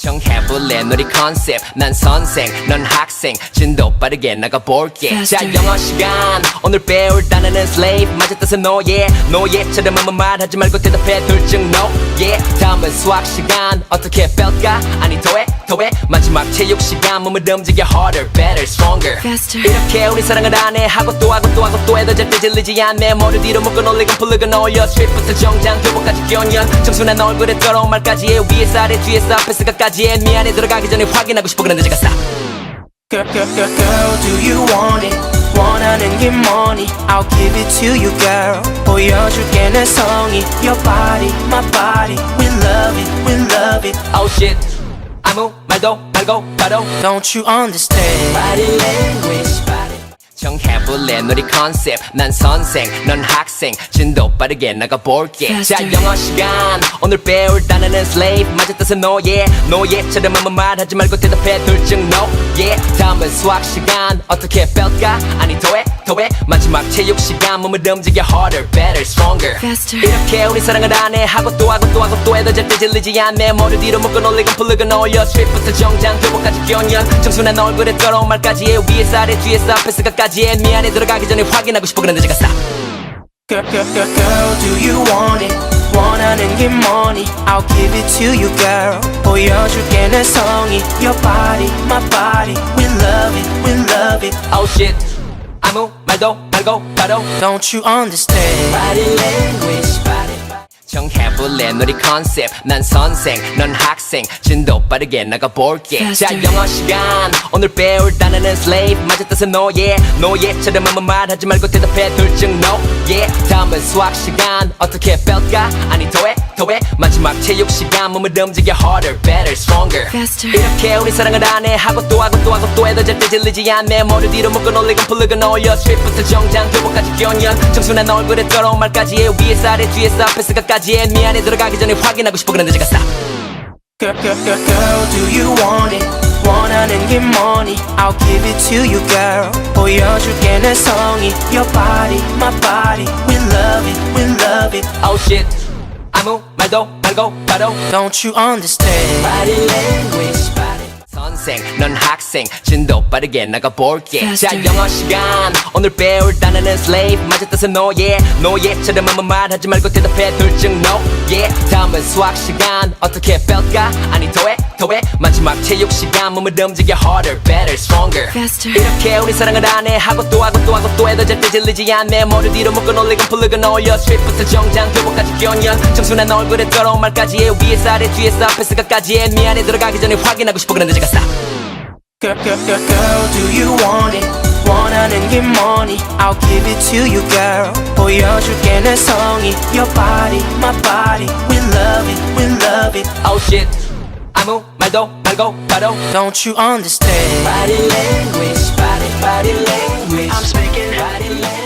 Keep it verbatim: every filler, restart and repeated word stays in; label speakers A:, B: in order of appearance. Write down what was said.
A: 정해볼래 놀이 컨셉 난 선생 넌 학생 진도 빠르게 나가볼게
B: Faster.
A: 자 영어 시간 오늘 배울 단어는 slave 맞아 뜻은 노예 노예처럼 아무 말하지 말고 대답해 둘 중 no yeah 다음은 수학 시간 어떻게 뺄까 아니 더해 더해 마지막 체육 시간 몸을 움직여 harder better stronger
B: Faster.
A: 이렇게 우리 사랑을 안 해 하고 또 하고 또 하고 또 해도 절대 질리지 않네 머리 뒤로 묶어 올리고 풀리고 올려 스트릿부터 정장 교복까지 경연 청순한 얼굴에 더러운 말까지 해 위에서 아래 뒤에서 앞에서 가까지 해 미안해 들어가기 전에 확인하고 싶어 그런데 제가 stop
C: Girl, girl, girl, girl, do you want it? 원하는 게 뭐니? I'll give it to you, girl. 보여줄게 내 성의. Your body, my body. We love it, we love it.
A: oh shit 아무 말도 말고 바로
C: Don't you understand?
A: body language body 정해볼래 놀이 컨셉 난 선생 넌 학생 진도 빠르게 나가볼게 자
B: Faster.
A: 영어 시간 오늘 배울 단어는 slave 맞아 뜻은 노예 노예처럼 아무 말하지 말고 대답해 둘 중 no yeah 다음은 수학 시간 어떻게 뺄까 아니 더해 더해 마지막 체육 시간 몸을 움직여 harder better stronger
B: Faster.
A: 이렇게 우리 사랑을 안 해 하고 또 하고 또 하고 또 해도 절대 질리지 않네 머리 뒤로 묶어 올리고 풀리고 올려 스트릿부터 정장 교복까지 경연 청순한 얼굴에 더러운 말까지 해 위에서 아래 뒤에서 앞에서 가까지 해 미안해 들어가기 전에 확인하고 싶어 그런데 제가 stop
C: Girl, girl, girl, girl, do you want it? 원하는 게 뭐니? I'll give it to you, girl. 보여줄게 내 성의. Your body, my body. We love it, we love it.
A: oh shit 아무 말도 말고 바로
C: Don't you understand?
A: body language body 정해볼래 놀이 컨셉 난 선생 넌 학생 진도 빠르게 나가볼게 자
B: Faster.
A: 영어 시간 오늘 배울 단어는 slave 맞아 뜻은 노예 노예처럼 아무 말하지 말고 대답해 둘 중 no yeah 다음은 수학 시간 어떻게 뺄까 아니 더해 더해 마지막 체육 시간 몸을 움직여 harder better stronger
B: Faster.
A: 이렇게 우리 사랑을 안 해 하고 또 하고 또 하고 또 해도 절대 질리지 않네 머리 뒤로 묶어 올리고 풀리고 올려 스트릿부터 정장 교복까지 경연 청순한 얼굴에 더러운 말까지 해 위에서 아래 뒤에서 앞에서 가까지 해 미안해 들어가기 전에 확인하고 싶어 그런데 제가 stop
C: Girl, girl, girl, girl, do you want it? 원하는 게 뭐니? I'll give it to you, girl. 보여줄게 내 성의. Your body, my body. We love it, we love it.
A: oh shit 아무 말도 말고 바로
C: Don't you understand?
A: body language body 선생 넌 학생 진도 빠르게 나가볼게 자
B: Faster.
A: 영어 시간 오늘 배울 단어는 slave 맞아 뜻은 노예 노예처럼 아무 말하지 말고 대답해 둘 중 no yeah 다음은 수학 시간 어떻게 뺄까 아니 더해 더해 마지막 체육 시간 몸을 움직여 harder better stronger
B: Faster.
A: 이렇게 우리 사랑을 안 해 하고 또 하고 또 하고 또 해도 절대 질리지 않네 머리 뒤로 묶어 올리고 풀리고 올려 스트릿부터 정장 교복까지 경연 청순한 얼굴에 더러운 말까지 해 위에서 아래 뒤에서 앞에서 가까지 해 미안해 들어가기 전에 확인하고 싶어 그런데 제가 stop
C: Girl, girl, girl, girl, do you want it? 원하는 게 뭐니? I'll give it to you, girl. 보여줄게 내 성의. Your body, my body. We love it, we love it.
A: oh shit 아무 말도 말고 바로
C: Don't you understand?
A: body language body body language I'm speaking body language